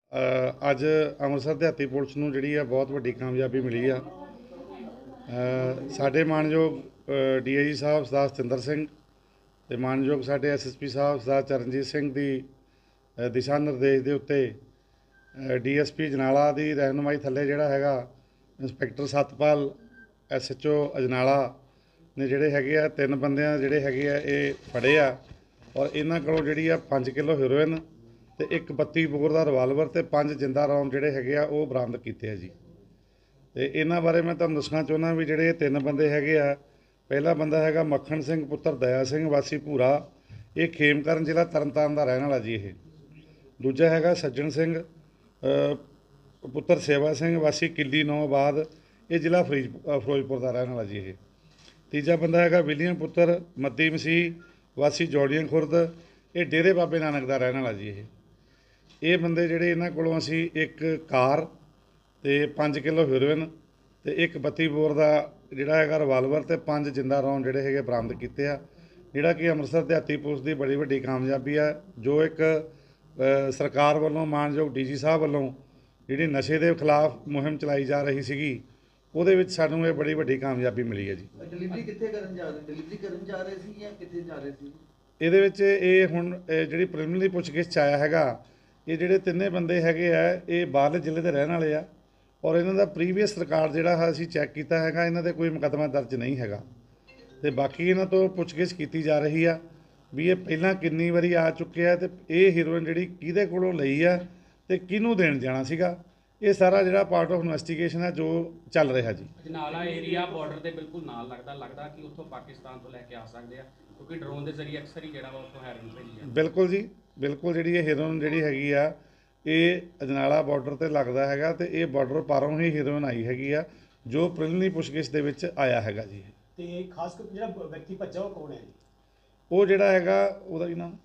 ਅੱਜ ਅੰਮ੍ਰਿਤਸਰ ਦਿਹਾਤੀ ਪੁਲਿਸ ਨੂੰ ਜਿਹੜੀ ਆ ਬਹੁਤ ਵੱਡੀ ਕਾਮਯਾਬੀ ਮਿਲੀ ਆ। ਸਾਡੇ ਮਾਨਯੋਗ ਡੀਆਈਜੀ ਸਾਹਿਬ ਸਰਦਾਰ ਸਤਿੰਦਰ ਸਿੰਘ ਤੇ ਮਾਨਯੋਗ ਸਾਡੇ ਐਸਐਸਪੀ ਸਾਹਿਬ ਸਰਦਾਰ ਚਰਨਜੀਤ ਸਿੰਘ ਦੀ ਦਿਸ਼ਾ ਨਿਰਦੇਸ਼ ਦੇ ਉੱਤੇ ਡੀਐਸਪੀ ਅਜਨਾਲਾ ਦੀ ਰਹਿਨੁਮਾਈ ਥੱਲੇ ਜਿਹੜਾ ਹੈਗਾ ਇੰਸਪੈਕਟਰ ਸਤਪਾਲ ਐਸਐਚਓ ਅਜਨਾਲਾ ਨੇ ਜਿਹੜੇ ਹੈਗੇ ਆ 3 ਬੰਦਿਆਂ ਜਿਹੜੇ ਹੈਗੇ ਆ ਇਹ ਫੜੇ ਆ ਔਰ ਇਹਨਾਂ ਕੋਲੋਂ ਜਿਹੜੀ ਆ 5 ਕਿਲੋ ਹੈਰੋਇਨ ਤੇ ਇੱਕ 32 ਬੋਰ ਦਾ ਰਿਵਾਲਵਰ ਤੇ 5 ਜਿੰਦਾ ਰੌਂਦ ਜਿਹੜੇ ਹੈਗੇ ਆ ਉਹ ਬਰਾਮਦ ਕੀਤੇ ਆ ਜੀ। ਤੇ ਇਹਨਾਂ ਬਾਰੇ ਮੈਂ ਤੁਹਾਨੂੰ ਦੱਸਣਾ ਚਾਹੁੰਦਾ ਵੀ ਜਿਹੜੇ 3 ਬੰਦੇ ਹੈਗੇ ਆ, ਪਹਿਲਾ ਬੰਦਾ ਹੈਗਾ ਮੱਖਣ ਸਿੰਘ ਪੁੱਤਰ ਦਇਆ ਸਿੰਘ ਵਾਸੀ ਭੂਰਾ, ਇਹ ਖੇਮਕਰਨ ਜ਼ਿਲ੍ਹਾ ਤਰਨਤਾਰਨ ਦਾ ਰਹਿਣ ਵਾਲਾ ਜੀ। ਇਹ ਦੂਜਾ ਹੈਗਾ ਸੱਜਣ ਸਿੰਘ ਪੁੱਤਰ ਸੇਵਾ ਸਿੰਘ ਵਾਸੀ ਕਿੱਲੀ ਨੌਬਾਦ, ਇਹ ਜ਼ਿਲ੍ਹਾ ਫਿਰੋਜ਼ਪੁਰ ਦਾ ਰਹਿਣ ਵਾਲਾ ਜੀ। ਇਹ ਤੀਜਾ ਬੰਦਾ ਹੈਗਾ ਵਿਲੀਅਮ ਪੁੱਤਰ ਮੱਦੀ ਮਸੀਹ ਵਾਸੀ ਜੋੜੀਆਂ ਖੁਰਦ, ਇਹ ਡੇਰੇ ਬਾਬੇ ਨਾਨਕ ਦਾ ਰਹਿਣ ਵਾਲਾ ਜੀ। ਇਹ ਬੰਦੇ ਜਿਹੜੇ ਇਹਨਾਂ ਕੋਲੋਂ ਅਸੀਂ ਇੱਕ ਕਾਰ ਤੇ 5 ਕਿਲੋ ਹੈਰੋਇਨ ਤੇ ਇੱਕ 32 ਬੋਰ ਦਾ ਜਿਹੜਾ ਹੈਗਾ ਰਿਵਾਲਵਰ ਤੇ 5 ਜਿੰਦਾ ਰੌਂਦ ਜਿਹੜੇ ਹੈਗੇ ਬਰਾਮਦ ਕੀਤੇ ਆ, ਜਿਹੜਾ ਕਿ ਅੰਮ੍ਰਿਤਸਰ ਦਿਹਾਤੀ ਪੁਲਿਸ ਦੀ ਬੜੀ ਵੱਡੀ ਕਾਮਯਾਬੀ ਆ। ਜੋ ਇੱਕ ਸਰਕਾਰ ਵੱਲੋਂ ਮਾਨਯੋਗ ਡੀਜੀ ਸਾਹਿਬ ਵੱਲੋਂ ਜਿਹੜੀ ਨਸ਼ੇ ਦੇ ਖਿਲਾਫ ਮੁਹਿੰਮ ਚਲਾਈ ਜਾ ਰਹੀ ਸੀਗੀ, ਉਹਦੇ ਵਿੱਚ ਸਾਨੂੰ ਇਹ ਬੜੀ ਵੱਡੀ ਕਾਮਯਾਬੀ ਮਿਲੀ ਹੈ ਜੀ। ਡਿਲੀਵਰੀ ਕਿੱਥੇ ਕਰਨ ਜਾ ਰਹੇ, ਡਿਲੀਵਰੀ ਕਰਨ ਜਾ ਰਹੇ ਸੀ ਜਾਂ ਕਿੱਥੇ ਜਾ ਰਹੇ ਸੀ? ਇਹਦੇ ਵਿੱਚ ਇਹ ਹੁਣ ਜਿਹੜੀ ਪ੍ਰੀਲਿਮਿਨਰੀ ਪੁੱਛਗਿੱਛ 'ਚ ਆਇਆ ਹੈਗਾ, ਇਹ ਜਿਹੜੇ 3 ਬੰਦੇ ਹੈਗੇ ਆ ਇਹ ਬਾਹਰਲੇ ਜ਼ਿਲ੍ਹੇ ਦੇ ਰਹਿਣ ਵਾਲੇ ਆ ਔਰ ਇਹਨਾਂ ਦਾ ਪ੍ਰੀਵੀਅਸ ਰਿਕਾਰਡ ਜਿਹੜਾ ਅਸੀਂ ਚੈੱਕ ਕੀਤਾ ਹੈਗਾ, ਇਹਨਾਂ ਦੇ ਕੋਈ ਮੁਕੱਦਮਾ ਦਰਜ ਨਹੀਂ ਹੈਗਾ। ਤੇ ਬਾਕੀ ਇਹਨਾਂ ਤੋਂ ਪੁੱਛਗਿੱਛ ਕੀਤੀ ਜਾ ਰਹੀ ਆ ਵੀ ਇਹ ਪਹਿਲਾਂ ਕਿੰਨੀ ਵਾਰੀ ਆ ਚੁੱਕੇ ਆ ਤੇ ਇਹ ਹੀਰੋਇਨ ਜਿਹੜੀ ਕਿਹਦੇ ਕੋਲੋਂ ਲਈ ਆ ਤੇ ਕਿਹਨੂੰ ਦੇਣ ਜਾਣਾ ਸੀਗਾ। ਇਹ ਸਾਰਾ ਜਿਹੜਾ ਪਾਰਟ ਆਫ ਇਨਵੈਸਟੀਗੇਸ਼ਨ ਹੈ ਜੋ ਚੱਲ ਰਿਹਾ ਜੀ। ਅਜਨਾਲਾ ਏਰੀਆ ਬਾਰਡਰ ਦੇ ਬਿਲਕੁਲ ਨਾਲ ਲੱਗਦਾ ਕਿ ਉੱਥੋਂ ਪਾਕਿਸਤਾਨ ਤੋਂ ਲੈ ਕੇ ਆ ਸਕਦੇ ਆ, ਕਿਉਂਕਿ ਡਰੋਨ ਦੇ ਜ਼ਰੀਏ ਅਕਸਰ ਹੀ ਜਿਹੜਾ ਵਾ ਉੱਥੋਂ ਹੈਰੋਇਨ ਭੇਜੀ ਆ। ਬਿਲਕੁਲ ਜੀ, ਬਿਲਕੁਲ। ਜਿਹੜੀ ਇਹ ਹੀਰੋਇਨ ਜਿਹੜੀ ਹੈਗੀ ਆ ਇਹ ਅਜਨਾਲਾ ਬਾਰਡਰ ਤੇ ਲੱਗਦਾ ਹੈਗਾ ਤੇ ਇਹ ਬਾਰਡਰ ਪਾਰੋਂ ਹੀ ਹੀਰੋਇਨ ਆਈ ਹੈਗੀ ਆ, ਜੋ ਪ੍ਰੀਲਿਮਿਨਰੀ ਪੁੱਛਗਿੱਛ ਦੇ ਵਿੱਚ ਆਇਆ ਹੈਗਾ ਜੀ। ਤੇ ਖਾਸ ਕਰ ਜਿਹੜਾ ਵਿਅਕਤੀ ਭੱਜਾ ਉਹ ਕੌਣ ਹੈ ਜੀ? ਉਹ ਜਿਹੜਾ ਹੈਗਾ ਉਹਦਾ ਕੀ ਨਾਮ?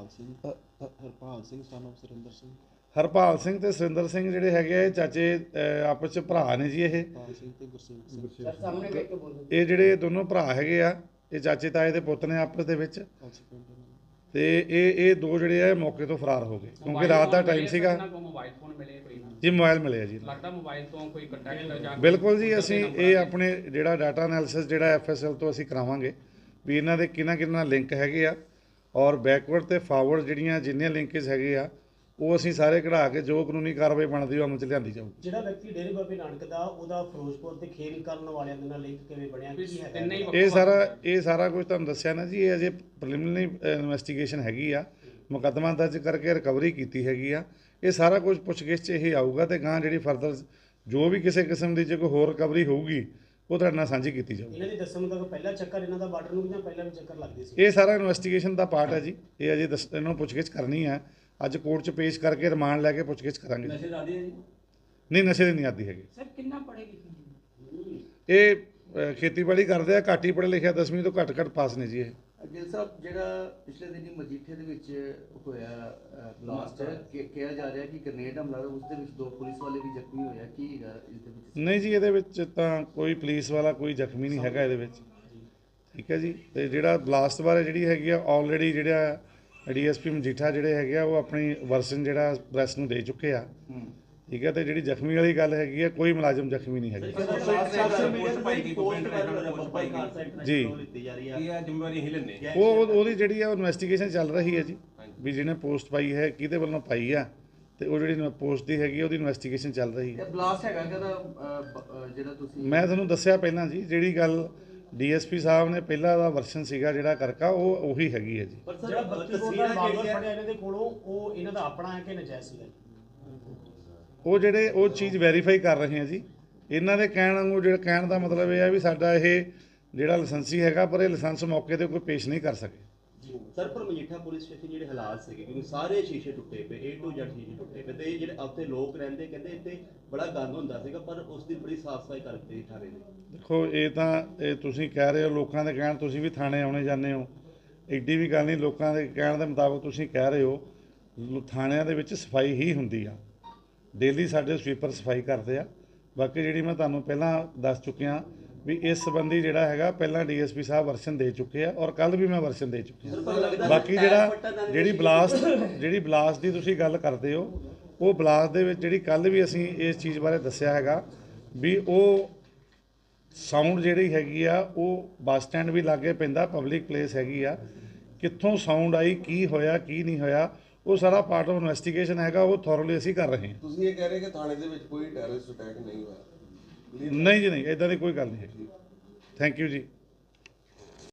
Harpal Singh son of Surinder Singh. ਹਰਪਾਲ ਸਿੰਘ ਤੇ ਸੁਰਿੰਦਰ ਸਿੰਘ ਜਿਹੜੇ ਹੈਗੇ ਆ ਇਹ ਚਾਚੇ ਆਪਸ 'ਚ ਭਰਾ ਨੇ ਜੀ। ਹਰਪਾਲ ਸਿੰਘ ਤੇ ਗੁਰਸੇਵਕ ਸਿੰਘ ਸਾਹਮਣੇ ਵੇਖ ਕੇ ਬੋਲੋ। ਇਹ ਜਿਹੜੇ ਦੋਨੋਂ ਭਰਾ ਹੈਗੇ ਆ ਇਹ ਚਾਚੇ ਤਾਏ ਦੇ ਪੁੱਤ ਨੇ ਆਪਸ ਦੇ ਵਿੱਚ। ਤੇ ਇਹ ਦੋ ਜਿਹੜੇ ਆ ਮੌਕੇ ਤੋਂ ਫਰਾਰ ਹੋ ਗਏ ਕਿਉਂਕਿ ਰਾਤ ਦਾ ਟਾਈਮ ਸੀਗਾ ਮੋਬਾਈਲ ਫੋਨ ਮਿਲੇ ਕੋਈ ਨਾ ਜੀ। ਮੋਬਾਈਲ ਮਿਲਿਆ ਜੀ, ਲੱਗਦਾ ਮੋਬਾਈਲ ਤੋਂ ਕੋਈ ਕੰਟੈਕਟ ਜਾਂ ਬਿਲਕੁਲ ਜੀ। ਅਸੀਂ ਇਹ ਆਪਣੇ ਜਿਹੜਾ ਡਾਟਾ ਐਨਾਲਿਸਿਸ ਜਿਹੜਾ ਐਫਐਸਐਲ ਤੋਂ ਅਸੀਂ ਕਰਾਵਾਂਗੇ ਵੀ ਇਹਨਾਂ ਦੇ ਕਿਹਨਾਂ ਲਿੰਕ ਹੈਗੇ ਆ ਔਰ ਬੈਕਵਰਡ ਤੇ ਫਾਰਵਰਡ ਜਿਹੜੀਆਂ ਜਿੰਨੀਆਂ ਲਿੰਕੇਜ ਹੈਗੇ ਆ ਉਹ ਅਸੀਂ ਸਾਰੇ ਕਢਾ ਕੇ ਜੋ ਕਾਨੂੰਨੀ ਕਾਰਵਾਈ ਬਣਦੀ ਉਹ ਅਮਲ 'ਚ ਲਿਆਂਦੀ ਜਾਊਗੀ। ਜਿਹੜਾ ਵਿਅਕਤੀ ਡੇਰੇ ਬਾਬੇ ਨਾਨਕ ਦਾ ਉਹਦਾ ਫਿਰੋਜ਼ਪੁਰ ਤੇ ਖੇਲ ਕਰਨ ਵਾਲਿਆਂ ਦੇ ਨਾਲ ਲਿੰਕ ਕਿਵੇਂ ਬਣਿਆ, ਕੀ ਹੈਗਾ? ਇਹ ਸਾਰਾ ਕੁਝ ਤੁਹਾਨੂੰ ਦੱਸਿਆ ਨਾ ਜੀ। ਇਹ ਅਜੇ ਪ੍ਰੀਲਿਮਿਨਰੀ ਇਨਵੈਸਟੀਗੇਸ਼ਨ ਹੈਗੀ ਆ, ਮੁਕੱਦਮਾ ਦਰਜ ਕਰਕੇ ਰਿਕਵਰੀ ਕੀਤੀ ਹੈਗੀ ਆ। ਇਹ ਸਾਰਾ ਕੁਝ ਪੁੱਛਗਿੱਛ 'ਚ ਇਹ ਆਊਗਾ ਤੇ ਗਾਂ ਜਿਹੜੀ ਫਰਦਰ ਜੋ ਵੀ ਕਿਸੇ ਕਿਸਮ ਦੀ ਜੇ ਕੋਈ ਹੋਰ ਰਿਕਵਰੀ ਹੋਊਗੀ ਉਹ ਤੁਹਾਡੇ ਨਾਲ ਸਾਂਝੀ ਕੀਤੀ ਜਾਊਗੀ। ਇਹਨਾਂ ਦੀ ਦੱਸਣ ਮੁਤਾਬਕ ਪਹਿਲਾ ਚੱਕਰ ਇਹਨਾਂ ਦਾ ਬਾਰਡਰ ਨੂੰ ਜਾਂ ਪਹਿਲਾਂ ਵੀ ਚੱਕਰ ਲੱਗਦੇ ਸੀ? ਇਹ ਸਾਰਾ ਇਨਵੈਸਟੀਗੇਸ਼ਨ ਦਾ ਪਾਰਟ ਹੈ ਜੀ। ਇਹ ਅਜੇ ਇਹਨਾਂ ਨੂੰ ਪੁੱਛਗਿੱਛ ਕਰਨੀ ਹੈ, ਅੱਜ ਕੋਰਟ 'ਚ ਪੇਸ਼ ਕਰਕੇ ਰਿਮਾਂਡ ਲੈ ਕੇ ਪੁੱਛਗਿੱਛ ਕਰਾਂਗੇ। ਨਸ਼ੇ ਦਾ ਆਦੀ ਹੈ ਜੀ? ਨਹੀਂ, ਨਸ਼ੇ ਦੀ ਨਹੀਂ ਆਦੀ ਹੈਗੀ। ਸਰ ਕਿੰਨਾ ਪੜ੍ਹੇ ਲਿਖੇ? ਇਹ ਖੇਤੀਬਾੜੀ ਕਰਦੇ ਆ, ਘੱਟ ਹੀ ਪੜ੍ਹੇ ਲਿਖਿਆ, 10ਵੀਂ ਤੋਂ ਘੱਟ ਪਾਸ ਨੇ ਜੀ। ਇਹ ਗਿੱਲ ਸਾਹਿਬ ਜਿਹੜਾ ਪਿਛਲੇ ਦਿਨੀ ਮਜੀਠੇ ਦੇ ਵਿੱਚ ਹੋਇਆ ਬਲਾਸਟ, ਕਿਹਾ ਜਾ ਰਿਹਾ ਕਿ ਗ੍ਰੇਨੇਡ ਹਮਲਾ ਉਸ ਦੇ ਵਿੱਚ 2 ਪੁਲਿਸ ਵਾਲੇ ਵੀ ਜ਼ਖਮੀ ਹੋਇਆ, ਕੀ ਹੈਗਾ ਇਸ ਦੇ ਵਿੱਚ? ਨਹੀਂ ਜੀ, ਇਹਦੇ ਵਿੱਚ ਤਾਂ ਕੋਈ ਪੁਲਿਸ ਵਾਲਾ ਕੋਈ ਜ਼ਖਮੀ ਨਹੀਂ ਹੈਗਾ ਇਹਦੇ ਵਿੱਚ, ਠੀਕ ਹੈ ਜੀ। ਤੇ ਜਿਹੜਾ ਬਲਾਸਟ ਬਾਰੇ ਜਿਹੜੀ ਹੈਗੀ ਆ ਆਲਰੇਡੀ ਜਿਹੜਾ ਡੀਐਸਪੀ ਮਜੀਠਾ ਜਿਹੜੇ ਹੈਗੇ ਆ ਉਹ ਆਪਣੀ ਵਰਸ਼ਨ ਜਿਹੜਾ ਪ੍ਰੈਸ ਨੂੰ ਦੇ ਚੁੱਕੇ ਆ, ਠੀਕ ਹੈ। ਤੇ ਜਿਹੜੀ ਜ਼ਖਮੀ ਵਾਲੀ ਗੱਲ ਹੈਗੀ ਆ ਕੋਈ ਮੁਲਾਜ਼ਮ ਜ਼ਖਮੀ ਨਹੀਂ ਹੈਗਾ ਜੀ। ਉਹਦੀ ਜਿਹੜੀ ਆ ਇਨਵੈਸਟੀਗੇਸ਼ਨ ਚੱਲ ਰਹੀ ਹੈ ਜੀ ਵੀ ਜਿਹਨੇ ਪੋਸਟ ਪਾਈ ਹੈ ਕਿਹਦੇ ਵੱਲੋਂ ਪਾਈ ਆ ਤੇ ਉਹ ਜਿਹੜੀ ਪੋਸਟ ਦੀ ਹੈਗੀ ਉਹਦੀ ਇਨਵੈਸਟੀਗੇਸ਼ਨ ਚੱਲ ਰਹੀ ਹੈ। ਬਲਾਸਟ ਹੈਗਾ ਜਿਹੜਾ ਤੁਸੀਂ ਮੈਂ ਤੁਹਾਨੂੰ ਦੱਸਿਆ ਪਹਿਲਾਂ ਜੀ, ਜਿਹੜੀ ਗੱਲ ਡੀਐਸਪੀ ਸਾਹਿਬ ਨੇ ਪਹਿਲਾਂ ਦਾ ਵਰਸ਼ਨ ਸੀਗਾ ਜਿਹੜਾ ਕਰਕਾ ਉਹ ਉਹੀ ਹੈਗੀ ਹੈ ਜੀ। ਪਰ ਜਿਹੜਾ 32 ਬੋਰ ਦਾ ਰਿਵਾਲਵਰ ਫੜਿਆ ਇਹਨਾਂ ਦੇ ਕੋਲੋਂ ਉਹ ਇਹਨਾਂ ਦਾ ਆਪਣਾ ਹੈ ਕਿ ਨਜਾਇਜ਼ ਸੀਗਾ? ਉਹ ਚੀਜ਼ ਵੈਰੀਫਾਈ ਕਰ ਰਹੇ ਹਾਂ ਜੀ। ਇਹਨਾਂ ਦੇ ਕਹਿਣ ਵਾਂਗੂ ਜਿਹੜਾ ਕਹਿਣ ਦਾ ਮਤਲਬ ਇਹ ਆ ਵੀ ਸਾਡਾ ਇਹ ਜਿਹੜਾ ਲਾਇਸੈਂਸੀ ਹੈਗਾ ਪਰ ਇਹ ਲਾਇਸੈਂਸ ਮੌਕੇ ਤੇ ਕੋਈ ਪੇਸ਼ ਨਹੀਂ ਕਰ ਸਕੇ। ਸਰ ਪਰ ਮਜੀਠਾ ਪੁਲਿਸ ਸਟੇਸ਼ਨ ਜਿਹੜੇ ਹਾਲਾਤ ਸੀਗੇ ਕਿਉਂਕਿ ਸਾਰੇ ਸ਼ੀਸ਼ੇ ਟੁੱਟੇ ਪਏ, A to Z ਸ਼ੀਸ਼ੇ ਟੁੱਟੇ ਪਏ ਤੇ ਜਿਹੜੇ ਉੱਥੇ ਲੋਕ ਰਹਿੰਦੇ ਕਹਿੰਦੇ ਇੱਥੇ ਬੜਾ ਗੰਦ ਹੁੰਦਾ ਸੀਗਾ ਪਰ ਉਸ ਦੀ ਬੜੀ ਸਾਫ਼ ਸਫਾਈ ਕਰਕੇ ਠਾਰੇ ਨੇ। ਦੇਖੋ ਇਹ ਤੁਸੀਂ ਕਹਿ ਰਹੇ ਹੋ ਲੋਕਾਂ ਦੇ ਕਹਿਣ, ਤੁਸੀਂ ਵੀ ਥਾਣੇ ਆਉਣੇ ਜਾਂਦੇ ਹੋ, ਐਡੀ ਵੀ ਗੱਲ ਨਹੀਂ। ਲੋਕਾਂ ਦੇ ਕਹਿਣ ਦੇ ਮੁਤਾਬਕ ਤੁਸੀਂ ਕਹਿ ਰਹੇ ਹੋ ਥਾਣਿਆਂ ਦੇ ਵਿੱਚ ਸਫਾਈ ਹੀ ਹੁੰਦੀ ਆ, ਡੇਲੀ ਸਾਡੇ ਸਵੀਪਰ ਸਫਾਈ ਕਰਦੇ ਆ। ਬਾਕੀ ਜਿਹੜੀ ਮੈਂ ਤੁਹਾਨੂੰ ਪਹਿਲਾਂ ਦੱਸ ਚੁੱਕਿਆ ਵੀ ਇਸ ਸੰਬੰਧੀ ਜਿਹੜਾ ਹੈਗਾ ਪਹਿਲਾਂ ਡੀਐਸਪੀ ਸਾਹਿਬ ਵਰਸ਼ਨ ਦੇ ਚੁੱਕੇ ਆ ਔਰ ਕੱਲ ਵੀ ਮੈਂ ਵਰਸ਼ਨ ਦੇ ਚੁੱਕਿਆ। ਬਾਕੀ ਜਿਹੜੀ ਬਲਾਸਟ ਦੀ ਤੁਸੀਂ ਗੱਲ ਕਰਦੇ ਹੋ ਉਹ ਬਲਾਸਟ ਦੇ ਵਿੱਚ ਜਿਹੜੀ ਕੱਲ੍ਹ ਵੀ ਅਸੀਂ ਇਸ ਚੀਜ਼ ਬਾਰੇ ਦੱਸਿਆ ਹੈਗਾ ਵੀ ਉਹ ਸਾਊਂਡ ਜਿਹੜੀ ਹੈਗੀ ਆ ਉਹ ਬੱਸ ਸਟੈਂਡ ਵੀ ਲਾਗੇ ਪੈਂਦਾ, ਪਬਲਿਕ ਪਲੇਸ ਹੈਗੀ ਆ, ਕਿੱਥੋਂ ਸਾਊਂਡ ਆਈ, ਕੀ ਹੋਇਆ ਕੀ ਨਹੀਂ ਹੋਇਆ, ਉਹ ਸਾਰਾ ਪਾਰਟ ਆਫ ਇਨਵੈਸਟੀਗੇਸ਼ਨ ਹੈਗਾ, ਉਹ ਥੋਰਲੀ ਅਸੀਂ ਕਰ ਰਹੇ ਹਾਂ। ਤੁਸੀਂ ਇਹ ਕਹਿ ਰਹੇ ਕਿ ਥਾਣੇ ਦੇ ਵਿੱਚ ਕੋਈ ਟੈਰਰਿਸਟ ਅਟੈਕ ਨਹੀਂ ਹੋਇਆ? ਨਹੀਂ ਜੀ, ਨਹੀਂ, ਇਦਾਂ ਦੀ ਕੋਈ ਗੱਲ ਨਹੀਂ ਹੈਗੀ। ਥੈਂਕ ਯੂ ਜੀ।